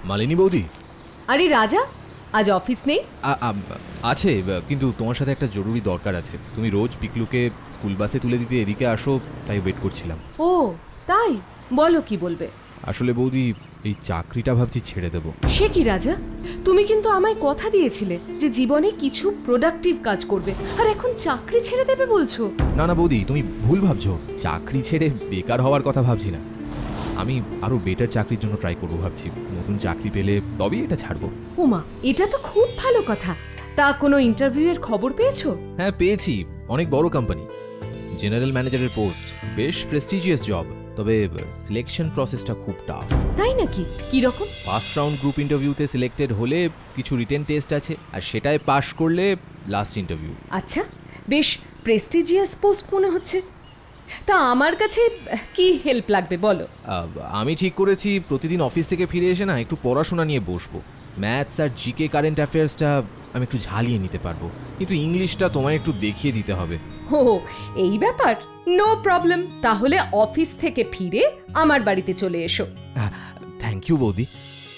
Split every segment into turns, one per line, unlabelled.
মালিনী বৌদি।
আরে রাজা, আজ অফিস নেই?
আছে, কিন্তু তোমার সাথে একটা জরুরি দরকার আছে। তুমি রোজ পিকলুকে স্কুল বাসে তুলে দিতে এদিকে আসো, তাই ওয়েট করছিলাম।
ও তাই, বলো কি বলবে?
আসলে বৌদি, এই চাকরিটা ভাবছি ছেড়ে দেবো।
সে কি রাজা, তুমি কিন্তু আমায় কথা দিয়েছিলে যে জীবনে কিছু প্রোডাক্টিভ কাজ করবে, আর এখন চাকরি ছেড়ে দেবে বলছো?
না না বৌদি, তুমি ভুল ভাবছো। চাকরি ছেড়ে বেকার হওয়ার কথা ভাবছি না। আমি আরো বেটার চাকরির জন্য ট্রাই করবো ভাবছি। নতুন চাকরি পেলে তবেই এটা ছাড়বো।
ওমা, এটা তো খুব ভালো কথা। তা কোনো ইন্টারভিউ এর খবর পেয়েছো?
হ্যাঁ পেয়েছি, অনেক বড় কোম্পানি, জেনারেল ম্যানেজারের পোস্ট, বেশ প্রেস্টিজিয়াস জব। তবে সিলেকশন প্রসেসটা খুব টাফ।
তাই নাকি? কি রকম?
ফার্স্ট রাউন্ড গ্রুপ ইন্টারভিউতে সিলেক্টেড হলে কিছু রিটেন টেস্ট আছে, আর সেটায় পাশ করলে লাস্ট ইন্টারভিউ।
আচ্ছা, বেশ প্রেস্টিজিয়াস পোস্ট মনে হচ্ছে। তা আমার কাছে কি হেল্প লাগবে বলো?
আমি ঠিক করেছি প্রতিদিন অফিস থেকে ফিরে এসে না একটু পড়াশোনা নিয়ে বসবো। ম্যাথস আর জিকে কারেন্ট অ্যাফেয়ার্সটা আমি একটু ঝালিয়ে নিতে পারবো, কিন্তু ইংলিশটা তোমায় একটু দেখিয়ে দিতে হবে।
ও এই ব্যাপার, নো প্রবলেম। তাহলে অফিস থেকে ফিরে আমার বাড়িতে চলে এসো।
থ্যাংক ইউ বৌদি।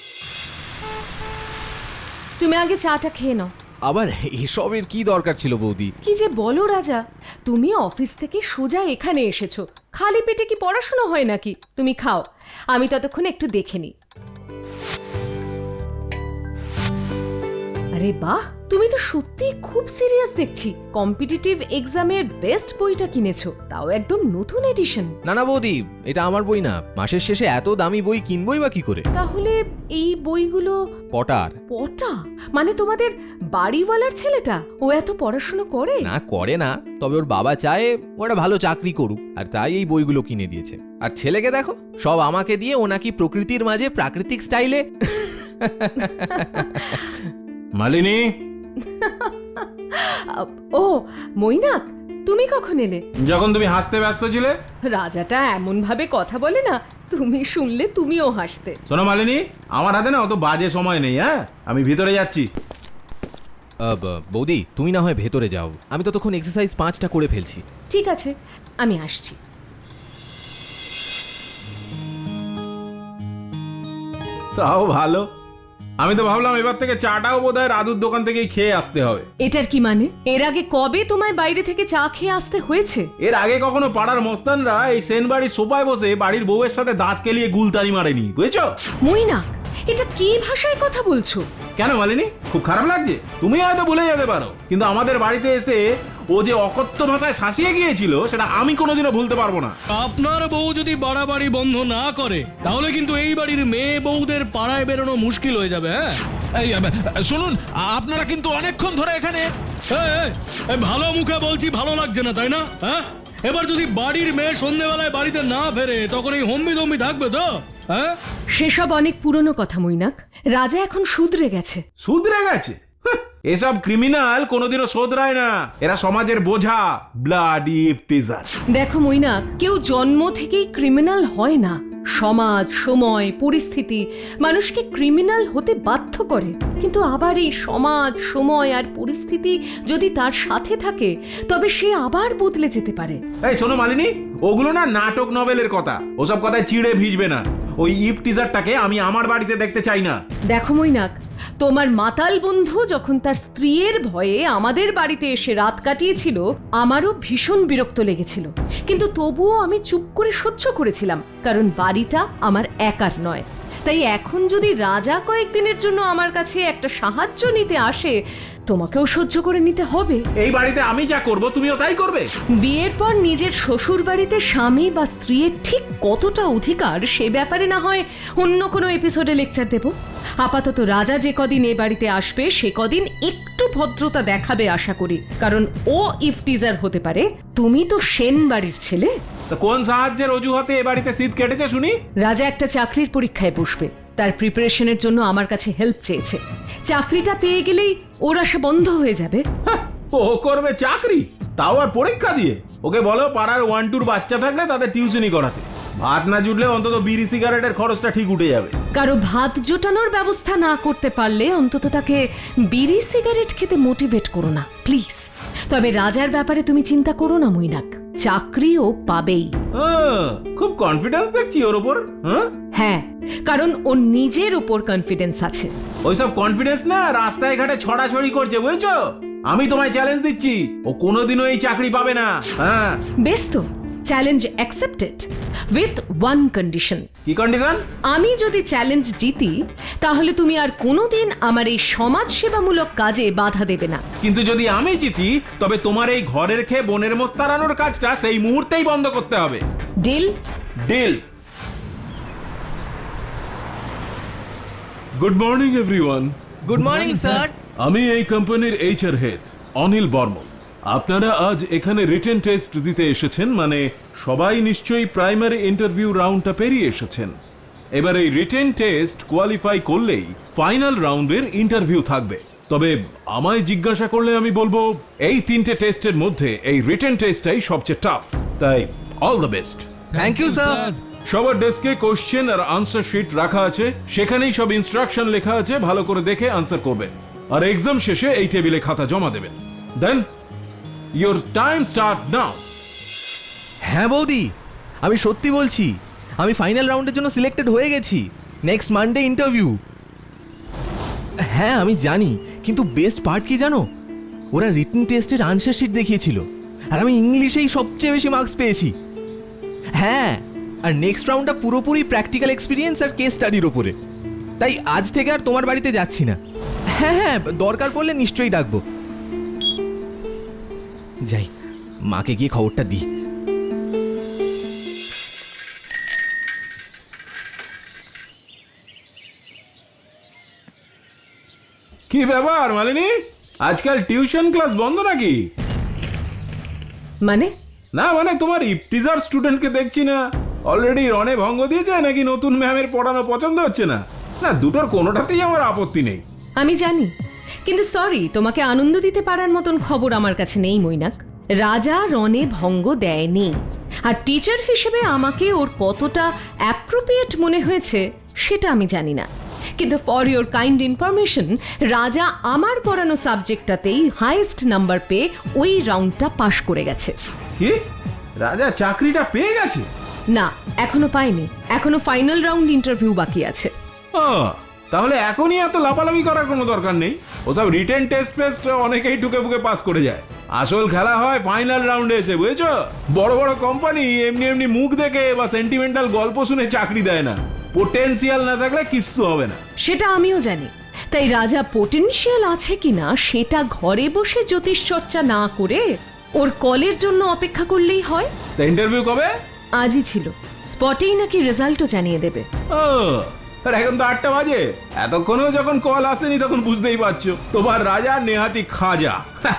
তুমি আগে চাটা খেয়ে নাও।
আবার এসবের কি দরকার ছিল বৌদি?
কি যে বলো রাজা, তুমি অফিস থেকে সোজা এখানে এসেছো, খালি পেটে কি পড়াশোনা হয় নাকি? তুমি খাও, আমি ততক্ষণ একটু দেখে নিই। আরে বাহ, তুমি তো সত্যি খুব সিরিয়াস দেখছি। কম্পিটিটিভ এক্সামের বেস্ট বইটা কিনেছো, তাও একদম নতুন এডিশন।
না না বৌদি, এটা আমার বই না। মাসের শেষে এত দামি বই কিনবই বা কি করে?
তাহলে এই বইগুলো
পটার।
পটা মানে তোমাদের বাড়িওয়ালার ছেলেটা? ও এত পড়াশোনা করে?
না করে না, তবে ওর বাবা চায় ও একটা ভালো চাকরি করুক, আর তাই এই বইগুলো কিনে দিয়েছে। আর ছেলেকে দেখো, সব আমাকে দিয়ে ও নাকি প্রকৃতির মাঝে প্রাকৃতিক স্টাইলে।
মালিনী,
ও মৈনাক, তুমি কখন এলে?
যখন তুমি হাসতে ব্যস্ত ছিলে।
রাজাটা এমন ভাবে কথা বলে না, তুমি শুনলে তুমিও হাসতে।
শোনো মালিনী, আমার হাতে না অত বাজে সময় নেই। হ্যাঁ, আমি ভিতরে যাচ্ছি।
বৌদি তুমি না হয় ভেতরে যাও, আমি ততক্ষণ এক্সারসাইজ 5টা করে ফেলছি।
ঠিক আছে, আমি আসছি।
তাও ভালো। আমি তো ভাবলাম এবার থেকে চাটাও বোধহয় রাধুর দোকান থেকেই খেয়ে আসতে হবে।
এটার কি মানে? এর আগে কবে তোমায় বাইরে থেকে চা খেয়ে আসতে হয়েছে?
এর আগে কখনো পাড়ার মস্তানরা এই সেন বাড়ির সোফায় বসে বাড়ির বউয়ের সাথে দাঁত কেলিয়ে গুলতানি মারেনি, বুঝেছো?
মৈনাক, এটা কি ভাষায় কথা বলছো?
কেন মালিনী, খুব খারাপ লাগছে? তুমি হয়তো ভুলে যেতে পারো, কিন্তু আমাদের বাড়িতে এসে ও যে অকথ্য ভাষায় শাসিয়ে গিয়েছিল সেটা আমি কোনোদিনও ভুলতে পারবো না।
আপনার বউ যদি বাড়াবাড়ি বন্ধ না করে তাহলে কিন্তু এই বাড়ির মেয়ে বউদের পাড়ায় বেরোনো মুশকিল হয়ে যাবে। হ্যাঁ
এই শুনুন, আপনারা কিন্তু অনেকক্ষণ ধরে এখানে।
ভালো মুখে বলছি, ভালো লাগছে না তাই না? হ্যাঁ, এবার যদি বাড়ির মেয়ে সন্ধ্যেবেলায় বাড়িতে না ফেরে তখন এই হম্বি দম্বি থাকবে তো? হ্যাঁ,
সেসব অনেক পুরনো কথা মৈনাক। রাজা এখন শুধরে গেছে।
শুধরে গেছে? এসব ক্রিমিনাল কোনোদিনও শোধরায় না। এরা সমাজের বোঝা, ব্লাডি টিজার।
দেখো মৈনাক, কেউ জন্ম থেকেই ক্রিমিনাল হয় না। সমাজ, সময়, পরিস্থিতি মানুষকে ক্রিমিনাল হতে বাধ্য করে। কিন্তু আবার এই সমাজ, সময় আর পরিস্থিতি যদি তার সাথে থাকে তবে সে আবার বদলে যেতে পারে।
এই শোনো মালিনী, ওগুলো না নাটক নভেলের কথা। ওসব কথায় চিড়ে ভিজবে না। ওই ইফ টিজারটাকে আমি আমার বাড়িতে দেখতে চাই না।
দেখো মৈনাক, তোমার মাতাল বন্ধু যখন তার স্ত্রীর ভয়ে আমাদের বাড়িতে এসে রাত কাটিয়েছিল, আমারও ভীষণ বিরক্ত লেগেছিল, কিন্তু তবুও আমি চুপ করে সহ্য করেছিলাম, কারণ বাড়িটা আমার একার নয়। তাই এখন যদি রাজা কয়েকদিনের জন্য আমার কাছে একটা সাহায্য নিতে আসে, তোমাকেও সহ্য করে নিতে হবে।
এই বাড়িতে আমি যা করব তুমিও তাই করবে?
বিয়ের পর নিজের শ্বশুর বাড়িতে স্বামী বা স্ত্রীর ঠিক কতটা অধিকার সে ব্যাপারে না হয় অন্য কোনো এপিসোডে লেকচার দেব। আপাতত রাজা যে কদিন এ বাড়িতে আসবে সে কদিন একটু ভদ্রতা দেখাবে আশা করি, কারণ ও ইফটিজার হতে পারে। তুমি তো সেন বাড়ির ছেলে।
তো কোন সাহায্যের অজুহাতে এ বাড়িতে শীত কেটেছে শুনি?
রাজা একটা চাকরির পরীক্ষায় বসবে, তার প্রিপারেশনের জন্য আমার কাছে হেল্প চেয়েছে। চাকরিটা পেয়ে গেলেই ওর আশা বন্ধ হয়ে যাবে।
ও করবে চাকরি, তাও আর পরীক্ষা দিয়ে? ওকে বলো পাড়ার 1-2 বাচ্চা থাকলে তাদের টিউশনি করাতে। ভাত না জুটলে অন্তত বিড়ি সিগারেটের খরচটা ঠিক উঠে যাবে।
কারো ভাত জোটানোর ব্যবস্থা না করতে পারলে অন্তত তাকে বিড়ি সিগারেট খেতে মোটিভেট করো না প্লিজ। তবে রাজার ব্যাপারে তুমি চিন্তা করো না মৈনাক, চাকরি ও পাবেই।
খুব কনফিডেন্স দেখছি ওর উপর।
হ্যাঁ, কারণ ওর নিজের উপর কনফিডেন্স আছে।
ওইসব কনফিডেন্স না রাস্তায় ঘাটে ছড়াছড়ি করছে, বুঝছো? আমি তোমায় চ্যালেঞ্জ দিচ্ছি, ও কোনোদিনও এই চাকরি পাবে না। হ্যাঁ,
বেশ তো, challenge accepted with one condition.
কি কন্ডিশন?
আমি যদি চ্যালেঞ্জ জিতি তাহলে তুমি আর কোনোদিন আমার এই সমাজ সেবামূলক কাজে বাধা দেবে না।
কিন্তু যদি আমি জিতি তবে তোমার এই ঘরের খেয়ে বনের মোষ তাড়ানোর কাজটা সেই মুহূর্তেই বন্ধ করতে হবে।
Deal?
Deal.
Good morning everyone.
Good morning sir.
আমি এই কোম্পানির এইচআর হেড অনিল বর্মন। আপনারা আজ এখানে রিটেন টেস্ট দিতে এসেছেন, মানে সবাই নিশ্চয়ই প্রাইমারি ইন্টারভিউ রাউন্ডটা পেরিয়ে এসেছেন। এবার এই রিটেন টেস্ট কোয়ালিফাই করলেই ফাইনাল রাউন্ডের ইন্টারভিউ থাকবে। তবে আমায় জিজ্ঞাসা করলে আমি বলবো এই 3টে টেস্টের মধ্যে এই রিটেন টেস্টটাই সবচেয়ে টাফ। তাই all the best.
Thank you sir.
সবার ডেস্কে কোশ্চেন আর আনসার শিট রাখা আছে, সেখানেই সব ইনস্ট্রাকশন লেখা আছে, ভালো করে দেখে আনসার করবেন। আর এক্সাম শেষে এই টেবিলে খাতা জমা দেবেন। Then your time start now.
হ্যাঁ বৌদি, আমি সত্যি বলছি, আমি ফাইনাল রাউন্ডের জন্য সিলেক্টেড হয়ে গেছি। Next Monday interview. হ্যাঁ আমি জানি, কিন্তু বেস্ট পার্ট কি জানো? ওরা রিটেন টেস্টের আনসার শিট দেখিয়েছিল আর আমি ইংলিশেই সবচেয়ে বেশি মার্কস পেয়েছি। হ্যাঁ, আর নেক্সট রাউন্ডটা পুরোপুরি প্র্যাকটিক্যাল এক্সপিরিয়েন্স আর কেস স্টাডির ওপরে। তাই আজ থেকে আর তোমার বাড়িতে যাচ্ছি না। হ্যাঁ হ্যাঁ, দরকার পড়লে নিশ্চয়ই ডাকবো। যাই, মাকে গিয়ে খবরটা দিই।
কি ব্যাপার মালিনী, আজকাল টিউশন ক্লাস বন্ধ নাকি?
মানে?
না মানে তোমার ইপটিজার স্টুডেন্টকে দেখছি না। অলরেডি রনে ভঙ্গ দিয়েছে নাকি নতুন ম্যামের পড়ানো পছন্দ হচ্ছে না? না, দুটোর কোনোটাতেই আমার আপত্তি নেই।
আমি জানি, কিন্তু সরি, তোমাকে আনন্দ দিতে পারার মতন খবর আমার কাছে নেই মৈনাক। রাজা রনে ভঙ্গ দেয়নি, আর টিচার হিসেবে আমাকে ওর কতটা অ্যাপ্রোপ্রিয়েট মনে হয়েছে সেটা আমি জানি না। কিন্তু ফর ইওর কাইন্ড ইনফরমেশন, রাজা আমার পড়ানো সাবজেক্টটাতেই হাইয়েস্ট নাম্বার পেয়ে ওই রাউন্ডটা পাশ করে গেছে।
কি, রাজা চাকরিটা পেয়ে গেছে?
না, এখনো পাইনি, এখনো ফাইনাল রাউন্ড ইন্টারভিউ বাকি আছে।
তাহলে এখনই এত লাফালাফি করার কোনো দরকার নেই। ওসব রিটেন টেস্ট ফেস্ট অনেকেই টুকে ফুকে পাস করে যায়। আসল খেলা হয় ফাইনাল রাউন্ডে এসে, বুঝেছো? বড় বড় কোম্পানি এমনি এমনি মুখ দেখে বা সেন্টিমেন্টাল গল্প শুনে চাকরি দেয় না। পোটেনশিয়াল না থাকলে কিচ্ছু হবে না।
সেটা আমিও জানি, তাই রাজা পোটেনশিয়াল আছে কিনা সেটা ঘরে বসে জ্যোতিষ চর্চা না করে ওর কলের জন্য অপেক্ষা করলেই হয়।
তা ইন্টারভিউ কবে?
আজই ছিল, স্পটেই নাকি রেজাল্টও জানিয়ে দেবে।
আর এখন তো 8টা বাজে, এতক্ষণেও যখন কল আসেনি তখন বুঝতেই পারছো তোমার রাজা নেহাতি খাজা।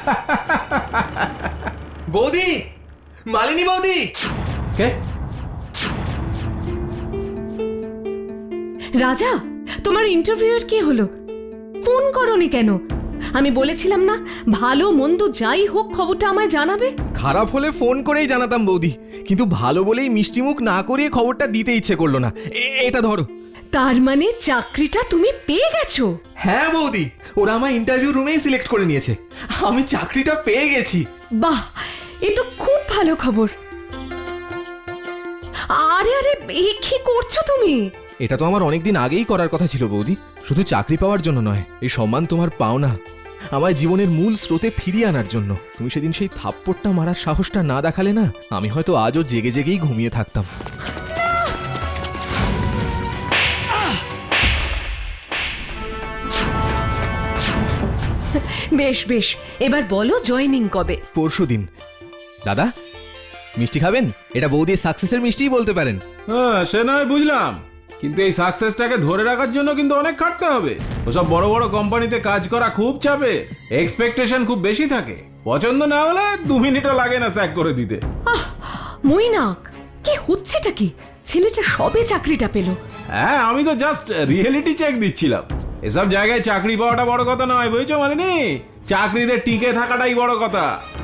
বৌদি, মালিনী বৌদি।
কে?
রাজা, তোমার ইন্টারভিউয়ের কি হলো? ফোন করোনি কেন? আমি বলেছিলাম না, ভালো মন্দ যাই হোক খবরটা আমায় জানাবে।
খারাপ হলে ফোন করেই জানাতাম বৌদি, কিন্তু ভালো বলেই মিষ্টিমুখ না করিয়ে খবরটা দিতে ইচ্ছে করলো না। এটা ধরো।
তার মানে চাকরিটা তুমি পেয়ে গেছো?
হ্যাঁ বৌদি, ওরা আমার ইন্টারভিউ রুমেই সিলেক্ট করে নিয়েছে। আমি চাকরিটা পেয়ে গেছি।
বাহ, এ তো খুব ভালো খবর। আরে আরে, এ কি করছো তুমি?
এটা তো আমার অনেকদিন আগেই করার কথা ছিল বৌদি। শুধু চাকরি পাওয়ার জন্য নয়, এই সম্মান তোমার পাও না, আমায় জীবনের মূল স্রোতে ফিরিয়ে আনার জন্য। তুমি সেদিন সেই থাপ্পড়টা মারার সাহসটা না দেখালে না, আমি হয়তো আজও জেগে জেগেই ঘুমিয়ে থাকতাম।
বেশ বেশ, এবার বলো জয়েনিং কবে?
পরশুদিন। দাদা, মিষ্টি খাবেন? এটা বৌদির সাকসেসের মিষ্টিই বলতে পারেন।
হ্যাঁ, সে নয় বুঝলাম, কিন্তু এই সাকসেসটাকে ধরে রাখার জন্য কিন্তু অনেক খাটতে হবে। ওসব বড় বড় কোম্পানিতে কাজ করা খুব চাপে, এক্সপেকটেশন খুব বেশি থাকে। পছন্দ না হলে 2 মিনিটও লাগে না স্যাক করে দিতে।
আহ, মৈনাক, কি হচ্ছেটা কি? ছেলেটা সবে চাকরিটা পেল।
হ্যাঁ, আমি তো জাস্ট রিয়েলিটি চেক দিচ্ছিলাম। এসব জায়গায় চাকরি পাওয়াটা বড় কথা নয়, বুঝছো মালিনী? চাকরিতে টিকে থাকাটাই বড় কথা।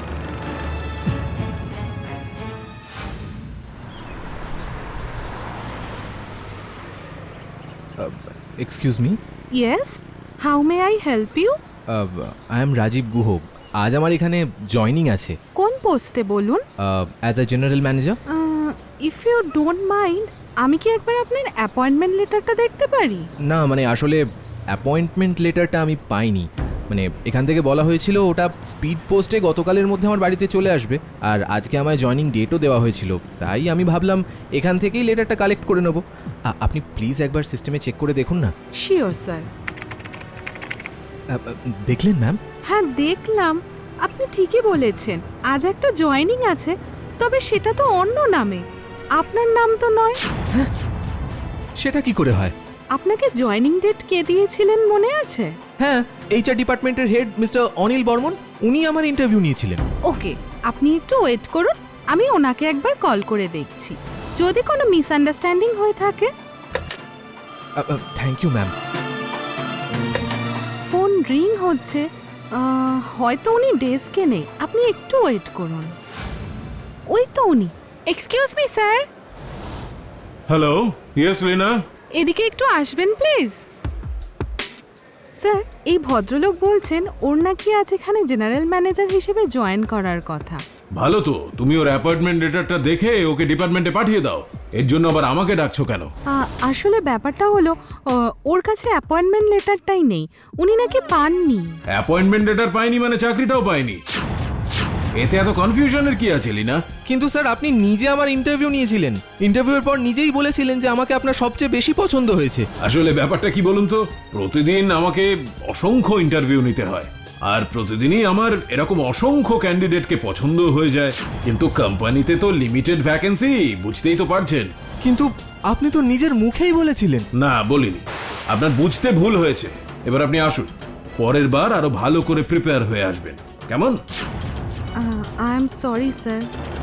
Excuse me.
Yes, how may I help you?
I am Rajiv Guha. আজ আমার এখানে জয়নিং আছে
কোন পোস্টে বলুন?
As a general manager.
If you don't mind আমি কি একবার আপনার অ্যাপয়েন্টমেন্ট লেটারটা দেখতে পারি?
না মানে আসলে অ্যাপয়েন্টমেন্ট লেটারটা আমি পাইনি। মানে এখান থেকে বলা হয়েছিল ওটা স্পিড পোস্টে গতকালের মধ্যে আমার বাড়িতে চলে আসবে, আর আজকে আমায় জয়নিং ডেটও দেওয়া হয়েছিল, তাই আমি ভাবলাম এখান থেকেই লেটারটা কালেক্ট করে নেবো। আপনি প্লিজ একবার সিস্টেমে চেক করে দেখুন না।
Sure sir.
দেখলেন ম্যাম?
হ্যাঁ দেখলাম, আপনি ঠিকই বলেছেন। আজ একটা জয়েনিং আছে, তবে সেটা তো অন্য নামে, আপনার নাম তো নয়।
সেটা কি করে হয়?
আপনাকে জয়েনিং ডেট কে দিয়েছিলেন মনে আছে?
হ্যাঁ, এইচআর ডিপার্টমেন্টের হেড মিস্টার অনিল বর্মন, উনি আমার ইন্টারভিউ নিয়েছিলেন।
ওকে, আপনি একটু ওয়েট করুন, আমি ওনাকে একবার কল করে দেখছি। যদি কোনো মিসআন্ডারস্ট্যান্ডিং হয়ে থাকে।
Thank you ma'am.
Phone ring হচ্ছে, হয়তো উনি ডেস্কে নেই, আপনি একটু ওয়েট করুন। ওই তো উনি। Excuse me sir,
hello, yes Rina.
এদিকে একটু আসবেন প্লিজ। স্যার, এই ভদ্রলোক বলছেন ওর নাকি আজ এখানে জেনারেল ম্যানেজার হিসেবে জয়েন করার কথা।
ভালো তো, তুমি ওর অ্যাপয়েন্টমেন্ট লেটারটা দেখে ওকে ডিপার্টমেন্টে পাঠিয়ে দাও। এর জন্য আবার আমাকে ডাকছো কেন?
আসলে ব্যাপারটা হলো ওর কাছে অ্যাপয়েন্টমেন্ট লেটারটাই নেই, উনি নাকি পাননি।
অ্যাপয়েন্টমেন্ট লেটার পাইনি মানে চাকরিটাও পাইনি? এতে এত কনফিউশনের কি আছে লিনা?
কিন্তু স্যার আপনি নিজে আমার ইন্টারভিউ নিয়েছিলেন, ইন্টারভিউয়ের পর নিজেই বলেছিলেন যে আমাকে আপনার সবচেয়ে বেশি পছন্দ হয়েছে।
আসলে ব্যাপারটা কি বলুন তো, প্রতিদিন আমাকে অসংখ্য ইন্টারভিউ নিতে হয়, আর প্রতিদিনই আমার এরকম অসংখ্য ক্যান্ডিডেটকে পছন্দ হয়ে যায়, কিন্তু কোম্পানিতে তো লিমিটেড ভ্যাকেন্সি, বুঝতেই তো পারছেন।
কিন্তু আপনি তো নিজের মুখেই বলেছিলেন।
না, বলিনি। আপনার বুঝতে ভুল হয়েছে। এবার আপনি আসুন, পরের বার আরো ভালো করে প্রিপেয়ার হয়ে আসবেন, কেমন?
I am sorry sir.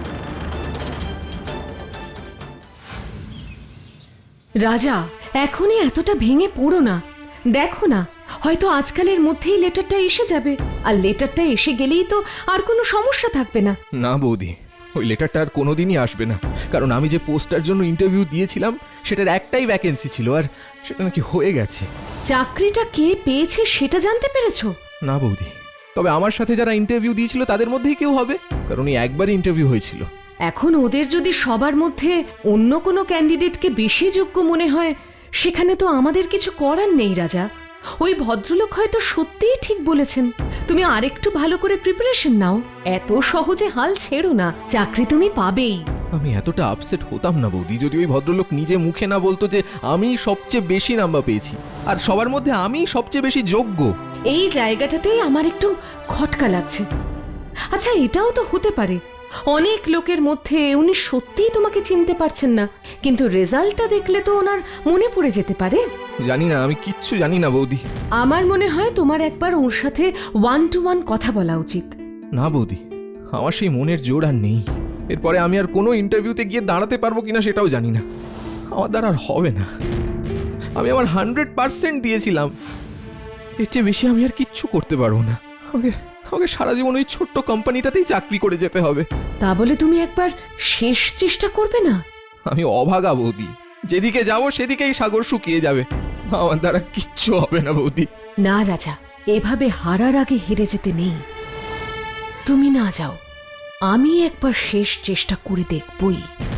Raja, এখনই এতটা ভেঙে পড়ো না। দেখো না, হয়তো আজকালের মধ্যেই লেটারটা এসে যাবে, আর লেটারটা এসে গেলেই তো আর কোনো সমস্যা থাকবে না।
না বৌদি, ওই লেটারটা আর কোনোদিনই আসবে না, কারণ আমি যে পোস্টটার জন্য ইন্টারভিউ দিয়েছিলাম সেটার একটাই ভ্যাকেন্সি ছিল, আর সেটা নাকি হয়ে গেছে।
চাকরিটা কে পেয়েছে সেটা জানতে পেরেছো?
না বৌদি, তবে আমার সাথে যারা ইন্টারভিউ দিয়েছিল তাদের মধ্যেই কেউ হবে, কারণ এই একবারই ইন্টারভিউ হয়েছিল।
এখন ওদের যদি সবার মধ্যে অন্য কোনো ক্যান্ডিডেটকে বেশি যোগ্য মনে হয়, সেখানে তো আমাদের কিছু করার নেই রাজা। ওই ভদ্রলোক হয়তো সত্যিই ঠিক বলেছেন। তুমি আরেকটু ভালো করে প্রিপারেশন নাও, এত সহজে হাল ছেড়ো না, চাকরি তুমি পাবেই।
আমি এতটা আপসেট হতাম না বৌদি যদি ওই ভদ্রলোক নিজে মুখে না বলতো যে আমি সবচেয়ে বেশি নাম্বার পেয়েছি আর সবার মধ্যে আমি সবচেয়ে বেশি যোগ্য।
এই জায়গাটাতেই আমার একটু খটকা লাগছে। আচ্ছা, এটাও তো হতে পারে অনেক লোকের মধ্যে উনি সত্যিই তোমাকে চিনতে পারছেন না, কিন্তু রেজাল্টটা দেখলে তো ওনার মনে পড়ে যেতে পারে।
জানি না, আমি কিচ্ছু জানি না বৌদি।
আমার মনে হয় তোমার একবার ওর সাথে 1-to-1 কথা বলা উচিত।
না বৌদি, আমার সেই মনের জোর আর নেই। এরপরে আমি আর কোনো ইন্টারভিউতে গিয়ে দাঁড়াতে পারবো কিনা সেটাও জানি না, আমার দ্বারা আর হবে না। আমি আমার 100% দিয়েছিলাম, এর চেয়ে বেশি আমি আর কিচ্ছু করতে পারবো না। আমাকে সারা জীবন ওই ছোট্ট কোম্পানিটাতেই চাকরি করে যেতে হবে।
তা বলে তুমি একবার শেষ চেষ্টা করবে না?
আমি অভাগা বৌদি, যেদিকে যাব সেদিকেই সাগর শুকিয়ে যাবে, আমার দ্বারা কিচ্ছু হবে না বৌদি।
না রাজা, এভাবে হারার আগে হেরে যেতে নেই। তুমি না যাও, আমি একবার শেষ চেষ্টা করে দেখবই।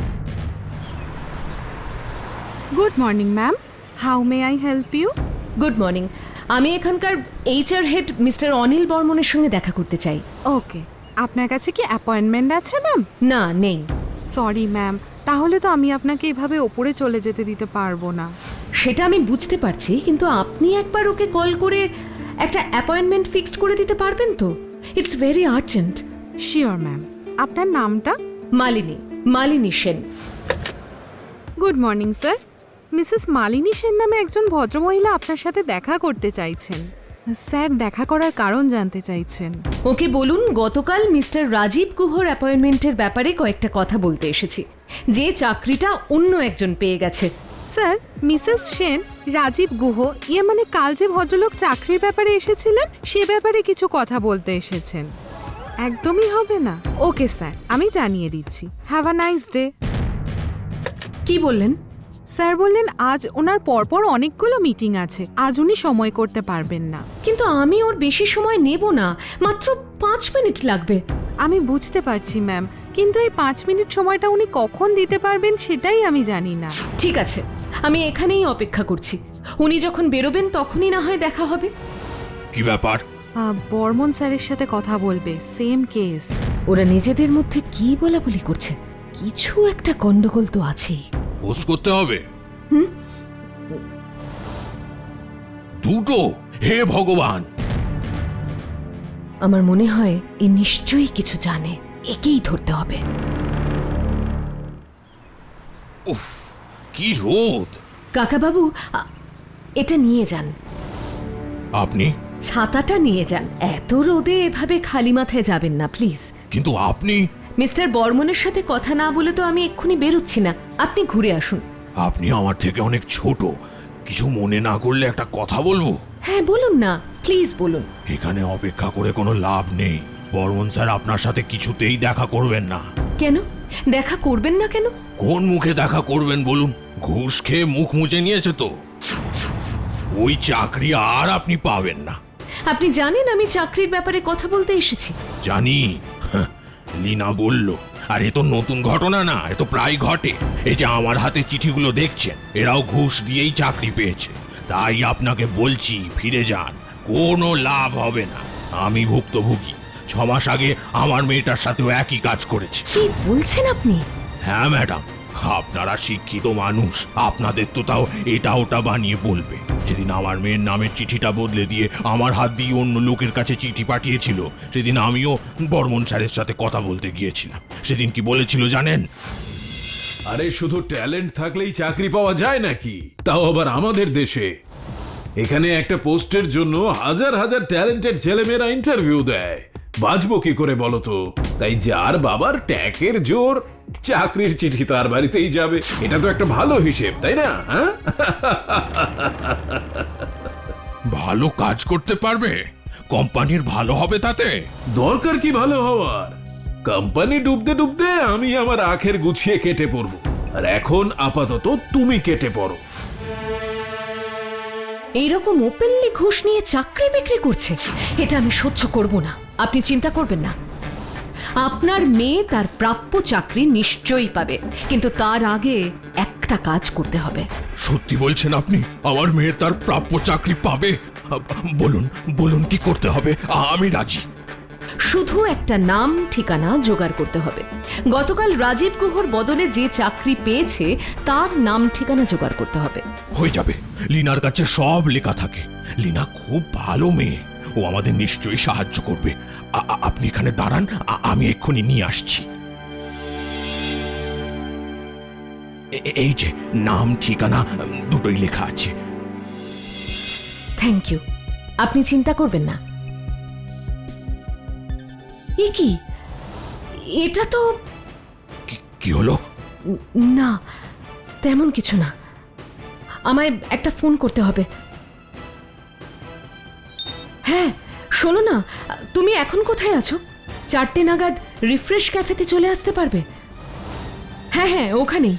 Good morning ma'am, how may I help you?
Good morning, আমি এখানকার এইচআর হেড মিস্টার অনিল বর্মনের সঙ্গে দেখা করতে চাই।
ওকে, আপনার কাছে কি অ্যাপয়েন্টমেন্ট আছে ম্যাম?
না, নেই।
সরি ম্যাম, তাহলে তো আমি আপনাকে এভাবে ওপরে চলে যেতে দিতে পারবো না।
সেটা আমি বুঝতে পারছি, কিন্তু আপনি একবার ওকে কল করে একটা অ্যাপয়েন্টমেন্ট ফিক্সড করে দিতে পারবেন তো? It's very urgent.
Sure ma'am. আপনার নামটা?
Malini Sen.
Good morning sir, Mrs Malini Sen নামে একজন ভদ্রমহিলা আপনার সাথে দেখা করতে চাইছেন। স্যার দেখা করার কারণ জানতে চাইছেন।
ওকে বলুন গতকাল মিস্টার রাজীব গুহর অ্যাপয়েন্টমেন্টের ব্যাপারে কয়েকটা কথা বলতে এসেছি, যে চাকরিটা অন্য একজন পেয়ে গেছে।
স্যার, মিসেস সেন, রাজীব গুহ, ইয়ে মানে কাল যে ভদ্রলোক চাকরির ব্যাপারে এসেছিলেন সে ব্যাপারে কিছু কথা বলতে এসেছেন। একদমই হবে না? ওকে স্যার, আমি জানিয়ে দিচ্ছি। Have a nice day.
কি বললেন?
স্যার বললেন আজ ওনার পরপর অনেকগুলো মিটিং আছে, আজ উনি সময় করতে পারবেন না।
কিন্তু আমি ওর বেশি সময় নেব না, মাত্র 5 মিনিট লাগবে।
আমি বুঝতে পারছি ম্যাম, কিন্তু এই 5 মিনিট সময়টা উনি কখন দিতে পারবেন সেটাই আমি জানি না।
ঠিক আছে, আমি এখানেই অপেক্ষা করছি। উনি যখন বেরোবেন তখনই না হয় দেখা হবে।
কি ব্যাপার?
বর্মন স্যারের সাথে কথা বলবে, সেম কেস।
ওরা নিজেদের মধ্যে কি বলাবলি করছে, কিছু একটা গন্ডগোল তো আছেই।
পোস্ট করতে হবে দুটো? হে ভগবান!
আমার মনে হয় এ নিশ্চয়ই কিছু জানে, একেই ধরতে হবে।
উফ, কি রোদ!
কাকাবাবু, এটা নিয়ে যান।
আপনি?
ছাতাটা নিয়ে যান, এত রোদে এভাবে খালি মাথায় যাবেন না প্লিজ।
কিন্তু আপনি?
মিস্টার বর্মনের সাথে কথা না বলে তো আমি এক্ষুনি বেরোচ্ছি না, আপনি ঘুরে আসুন।
আপনি আমার থেকে অনেক ছোট, কিছু মনে না করলে একটা কথা বলবো?
হ্যাঁ বলুন না, প্লিজ বলুন।
এখানে অপেক্ষা করে কোনো লাভ নেই। বর্মন স্যার আপনার সাথে কিছুতেই দেখা করবেন না।
কেন দেখা করবেন না কেন?
কোন মুখে দেখা করবেন বলুন? ঘুষ খেয়ে মুখ মুছে নিয়েছে তো, ওই চাকরি আর আপনি পাবেন না।
আপনি জানেন আমি চাকরির ব্যাপারে কথা বলতে এসেছি।
জানি, হাহ, লীনা বলল। আর এ তো নতুন ঘটনা না, এ তো প্রায় ঘটে। এই যে আমার হাতে চিঠিগুলো দেখছেন, এরাও ঘুষ দিয়েই চাকরি পেয়েছে। তাই আপনাকে বলছি, ফিরে যান, কোনো লাভ হবে না। আমি ভুক্তভোগী, 6 মাস আগে আমার মেয়েটার সাথেও একই কাজ করেছে।
কি বলছেন আপনি?
হ্যাঁ ম্যাডাম, আপনারা শিক্ষিত মানুষ, আপনাদের তো তাও এটা ওটা বানিয়ে বলবে। যেদিন আমার মেয়ের নামের চিঠিটা বদলে দিয়ে আমার হাত দিয়ে অন্য লোকের কাছে চিঠি পাঠিয়েছিল, সেদিন আমিও বর্মন স্যারের সাথে কথা বলতে গিয়েছিলাম। সেদিন কি বলেছিল জানেন?
আরে শুধু ট্যালেন্ট থাকলেই চাকরি পাওয়া যায় নাকি? তাও আবার আমাদের দেশে। এখানে একটা পোস্টের জন্য হাজার হাজার ট্যালেন্টেড ছেলেমেয়েরা ইন্টারভিউ দেয়। বাঁচবো কি করে বলো তো? তাই যার বাবার ট্যাকের জোর, চাকরির চিঠি তার বাড়িতেই যাবে। এটা তো একটা ভালো হিসেব, তাই না? হ্যাঁ,
ভালো কাজ করতে পারবে, কোম্পানির ভালো হবে তাতে।
দরকার কি ভালো হওয়ার? কোম্পানি ডুবতে ডুবতে আমি আমার আখের গুছিয়ে কেটে পড়বো। আর এখন আপাতত তুমি কেটে পড়ো।
এইরকম ওপেনলি ঘুষ নিয়ে চাকরি বিক্রি করছে, এটা আমি সহ্য করব না। আপনি চিন্তা করবেন না, আপনার মেয়ে তার প্রাপ্য চাকরি নিশ্চয়ই পাবে, কিন্তু তার আগে একটা কাজ করতে হবে।
সত্যি বলছেন আপনি? আমার মেয়ে তার প্রাপ্য চাকরি পাবে? বলুন বলুন, কি করতে হবে? আমি রাজি।
শুধু একটা নাম ঠিকানা জোগাড় করতে হবে। গতকাল রাজীব গুহর বদলে যে চাকরি পেয়েছে তার নাম ঠিকানা জোগাড় করতে হবে।
হয়ে যাবে, লিনার কাছে সব লেখা থাকে। লিনা খুব ভালো মেয়ে, ও আমাদের নিশ্চয়ই সাহায্য করবে। আপনি এখানে দাঁড়ান, আমি এক্ষুনি নিয়ে আসছি। এই যে নাম ঠিকানা দুটোই লেখা আছে।
থ্যাংক ইউ, আপনি চিন্তা করবেন না। এ কি, এটা তো
কি হলো?
না, তেমন কিছু না। আমায় একটা ফোন করতে হবে। হ্যাঁ শোনো না, তুমি এখন কোথায় আছো? 4টে নাগাদ রিফ্রেশ ক্যাফেতে চলে আসতে পারবে? হ্যাঁ হ্যাঁ, ওখানেই।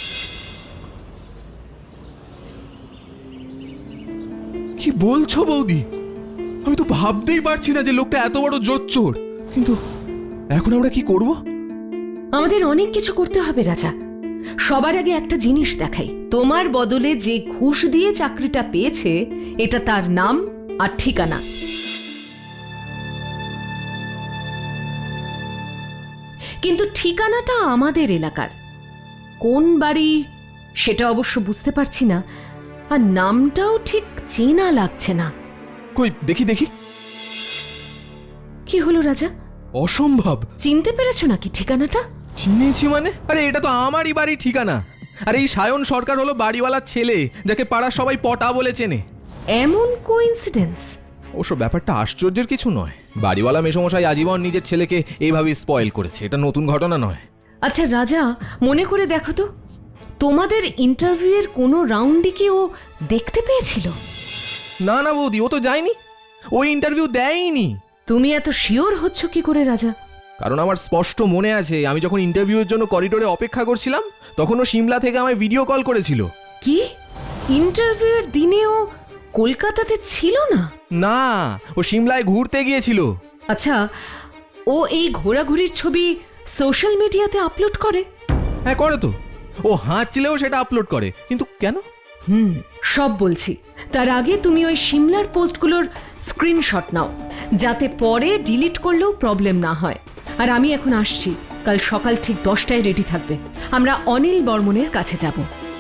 কি বলছো বৌদি? আমি তো ভাবতেই পারছি না যে লোকটা এত বড় জোচ্চোর। কিন্তু এখন আমরা কি করব?
আমাদের অনেক কিছু করতে হবে রাজা। সবার আগে একটা জিনিস দেখাই, তোমার বদলে যে ঘুষ দিয়ে চাকরিটা পেয়েছে এটা তার নাম আর ঠিকানা। কিন্তু ঠিকানাটা আমাদের এলাকার, কোন বাড়ি সেটা অবশ্য বুঝতে পারছি না, আর নামটাও ঠিক চেনা লাগছে না।
কই দেখি দেখি।
কি হলো রাজা,
অসম্ভব!
চিনতে পেরেছো নাকি ঠিকানাটা?
চিনেছি মানে? আরে এটা তো আমারই বাড়ির ঠিকানা। আরে এই সায়ন সরকার হলো বাড়িওয়ালার ছেলে, যাকে পাড়ার সবাই পটা বলে চেনে।
এমন কোইন্সিডেন্স?
অবশ্য ব্যাপারটা আশ্চর্যের কিছু নয়। বাড়িওয়ালা মেসমশাই আজীবন নিজের ছেলেকে এইভাবে স্পয়েল করেছে, এটা নতুন ঘটনা নয়।
আচ্ছা রাজা, মনে করে দেখো তো, তোমাদের ইন্টারভিউয়ের কোনো রাউন্ডে কি ও দেখতে পেয়েছিল?
না না বৌদি, ও তো যায়নি, ওই ইন্টারভিউ দেয়নি।
তুমি এত শিওর হচ্ছ কি করে রাজা?
কারণ আমার স্পষ্ট মনে আছে, আমি যখন ইন্টারভিউয়ের জন্য করিডোরে অপেক্ষা করছিলাম তখন ও সিমলা থেকে আমায় ভিডিও কল করেছিল।
কি ইন্টারভিউয়ের দিনে ও কলকাতাতে ছিল না?
না, ও সিমলায় ঘুরতে গিয়েছিল।
আচ্ছা, ও এই ঘোরাঘুরির ছবি সোশ্যাল মিডিয়াতে আপলোড করে?
হ্যাঁ করে তো, ও হাঁচলেও সেটা আপলোড করে, কিন্তু কেন?
সব বলছি। তার আগে তুমি ওই সিমলার পোস্টগুলোর স্ক্রিনশট নাও, যাতে পরে ডিলিট করলেও প্রবলেম না হয়। আর আমি এখন আসছি, কাল সকাল ঠিক 10টায় রেডি থাকবে, আমরা অনিল বর্মনের কাছে যাব।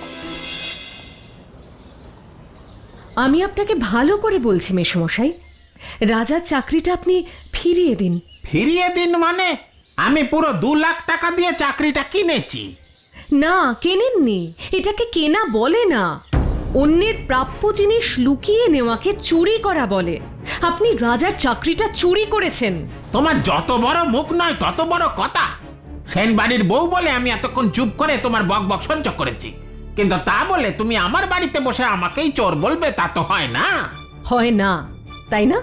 আমি আপনাকে ভালো করে বলছি মেসমশাই, রাজার চাকরিটা আপনি ফিরিয়ে দিন।
ফিরিয়ে দিন মানে? আমি পুরো 2 লাখ টাকা দিয়ে চাকরিটা কিনেছি।
না, কেনেননি, এটাকে কেনা বলে না। অন্যের প্রাপ্য জিনিস লুকিয়ে নেওয়াকে চুরি করা বলে। আপনি রাজার চাকরিটা চুরি করেছেন।
তোমার যত বড় মুখ নয় তত বড় কথা। সেন বাড়ির বউ বলে আমি এতক্ষণ চুপ করে তোমার বকবক সহ্য করেছি, কিন্তু তা বলে তুমি আমার বাড়িতে বসে আমাকেই চোর বলবে, তা তো হয় না।
হয় না, তাই না?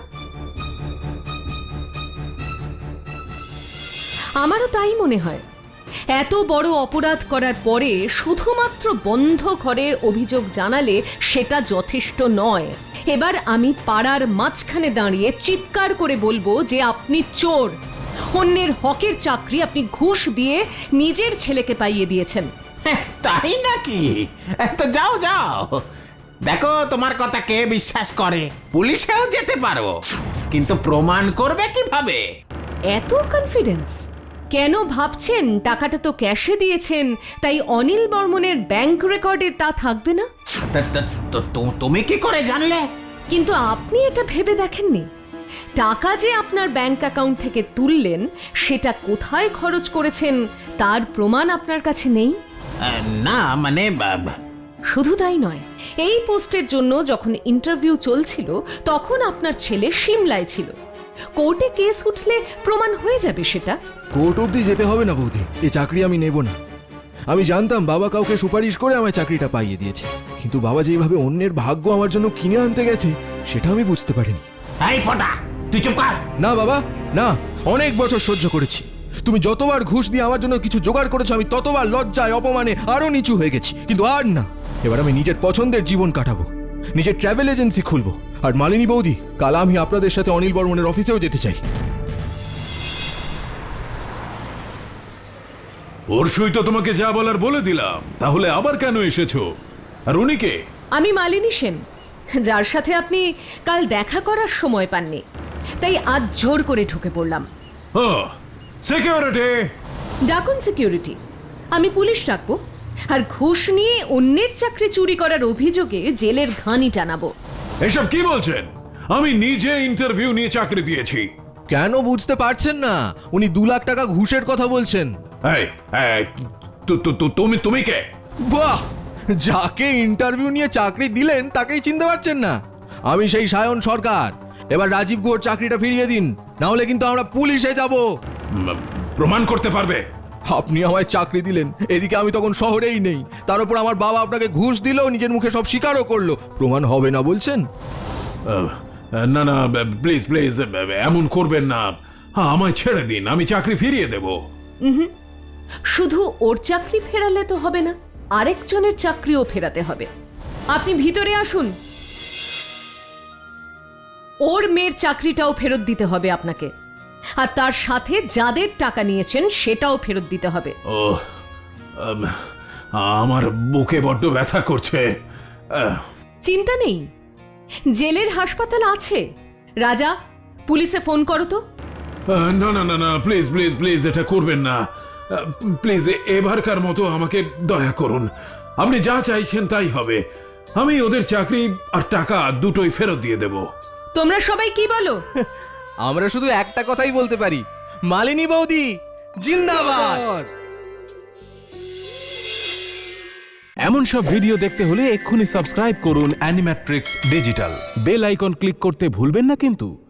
আমারও তাই মনে হয়। এত বড় অপরাধ করার পরে শুধুমাত্র বন্ধ ঘরের অভিযোগ জানালে সেটা যথেষ্ট নয়। এবার আমি পাড়ার মাঝখানে দাঁড়িয়ে চিৎকার করে বলবো যে আপনি চোর। অন্যের হকের চাকরি আপনি ঘুষ দিয়ে নিজের ছেলেকে পাইয়ে দিয়েছেন।
তাই নাকি? তো যাও যাও, দেখো তোমার কথা কে বিশ্বাস করে। পুলিশেও যেতে পারো, কিন্তু প্রমাণ করবে কিভাবে?
এত কনফিডেন্স কেন? ভাবছেন টাকাটা তো ক্যাশে দিয়েছেন, তাই অনিল বর্মনের ব্যাংক রেকর্ডে তা থাকবে না?
তুমি কি করে জানলে?
কিন্তু আপনি এটা ভেবে দেখেননি, টাকা যে আপনার ব্যাংক অ্যাকাউন্ট থেকে তুললেন সেটা কোথায় খরচ করেছেন তার প্রমাণ আপনার কাছে নেই?
না মানে
শুধু তাই নয়, এই পোস্টের জন্য যখন ইন্টারভিউ চলছিল তখন আপনার ছেলে সিমলায় ছিল। কোর্টে কেস উঠলে প্রমাণ হয়ে যাবে সেটা।
কোর্ট অবধি যেতে হবে না বৌদি, এই চাকরি আমি নেব না। আমি জানতাম বাবা কাউকে সুপারিশ করে আমায় চাকরিটা পাইয়ে দিয়েছে, কিন্তু বাবা যেভাবে অন্যের ভাগ্য আমার জন্য কিনে আনতে গেছে সেটা আমি বুঝতে পারিনি।
এই ফটা, তুই চুপ কর।
না বাবা না, অনেক বছর সহ্য করেছি। তুমি যতবার ঘুষ দিয়ে আমার জন্য কিছু জোগাড় করেছো আমি ততবার লজ্জায় অপমানে আরো নিচু হয়ে গেছি, কিন্তু আর না। এবার আমি নিজের পছন্দের জীবন কাটাবো, নিজের ট্রাভেল এজেন্সি খুলবো। আর মালিনী বৌদি, কাল আমি আপনাদের সাথে অনিল বর্মনের অফিসেও যেতে চাই।
পরশুই তো তোমাকে যা বলার বলে দিলাম, তাহলে আবার কেন এসেছো? আর উনি কে?
আমি মালিনী সেন, যার সাথে আপনি কাল দেখা করার সময় পাননি, তাই আজ জোর করে ঢুকে পড়লাম।
সিকিউরিটি
ডাকুন সিকিউরিটি, আমি পুলিশ ডাকবো। আর ঘুষ নিয়ে অন্যের চাকরি চুরি করার অভিযোগে জেলের ঘানি টানাবো।
এসব কি বলছেন? আমি নিজে ইন্টারভিউ নিয়ে চাকরি দিয়েছি।
কেন বুঝতে পারছেন না? উনি 2 লাখ টাকা ঘুষের কথা বলছেন।
তুমি কে?
বাহ, যাকে ইন্টারভিউ নিয়ে চাকরি দিলেন তাকেই চিনতে পারছেন না? আমি সেই সায়ন সরকার। এবার রাজীব গুহর চাকরিটা ফিরিয়ে দিন, না হলে কিন্তু আমরা পুলিশে যাব।
প্রমাণ করতে পারবে?
আপনি আমায় চাকরি দিলেন, এদিকে আমি তখন শহরেই নেই, তার উপর আমার বাবা আপনাকে ঘুষ দিল, নিজের মুখে সব স্বীকারও করলো। প্রমাণ হবে না বলছেন?
না না, প্লিজ প্লিজ এমন করবেন না। আমায় ছেড়ে দিন, আমি চাকরি ফিরিয়ে দেব।
শুধু ওর চাকরি ফেরালে তো হবে না, আরেকজনের চাকরিও ফেরাতে হবে। আপনি ভিতরে আসুন। ওর মেয়ের চাকরিটাও ফেরত দিতে হবে আপনাকে, আর তার সাথে যাদের টাকা নিয়েছেন সেটাও ফেরত দিতে হবে।
ও, আমার বুকে বড্ড ব্যথা করছে।
চিন্তা নেই, জেলের হাসপাতাল আছে। রাজা, পুলিশে ফোন করো তো।
না না না না, প্লিজ প্লিজ প্লিজ এটা করবেন না। প্লিজ এবারকার মতো আমাকে দয়া করুন। আপনি যা চাইছেন তাই হবে। আমি ওদের চাকরি আর টাকা দুটোই ফেরত দিয়ে দেব।
তোমরা সবাই কি বলো?
আমরা শুধু একটা কথাই বলতে পারি, মালিনী বৌদি জিন্দাবাদ।
এমন সব ভিডিও দেখতে হলে এক্ষুনি সাবস্ক্রাইব করুন Animatrix digital. Bell icon click করতে ভুলবেন না কিন্তু।